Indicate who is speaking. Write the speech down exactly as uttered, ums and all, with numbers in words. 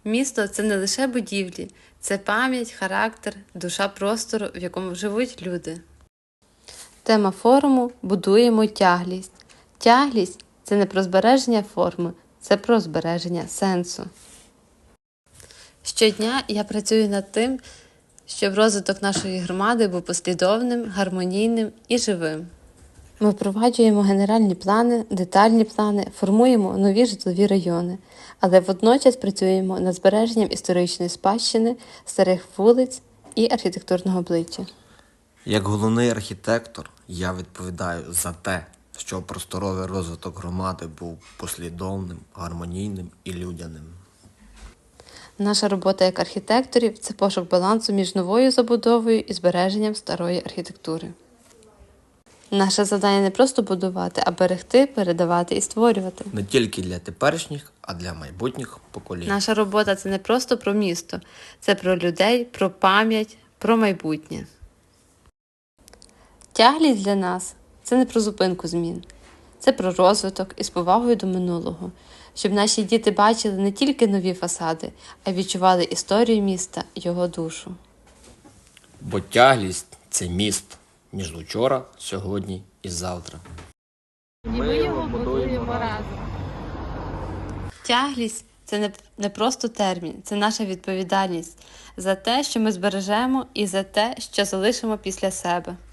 Speaker 1: Місто – це не лише будівлі, це пам'ять, характер, душа простору, в якому живуть люди. Тема форуму «Будуємо тяглість». Тяглість – це не про збереження форми, це про збереження сенсу. Щодня я працюю над тим, щоб розвиток нашої громади був послідовним, гармонійним і живим. Ми впроваджуємо генеральні плани, детальні плани, формуємо нові житлові райони, але водночас працюємо над збереженням історичної спадщини, старих вулиць і архітектурного обличчя.
Speaker 2: Як головний архітектор, я відповідаю за те, щоб просторовий розвиток громади був послідовним, гармонійним і людяним.
Speaker 1: Наша робота як архітекторів – це пошук балансу між новою забудовою і збереженням старої архітектури. Наше завдання не просто будувати, а берегти, передавати і створювати.
Speaker 2: Не тільки для теперішніх, а для майбутніх поколінь.
Speaker 1: Наша робота – це не просто про місто, це про людей, про пам'ять, про майбутнє. Тяглість для нас – це не про зупинку змін, це про розвиток із повагою до минулого, щоб наші діти бачили не тільки нові фасади, а й відчували історію міста, його душу.
Speaker 2: Бо тяглість – це міст між учора, сьогодні і завтра.
Speaker 1: І ми його будуємо разом. Тяглість – це не, не просто термін, це наша відповідальність за те, що ми збережемо, і за те, що залишимо після себе.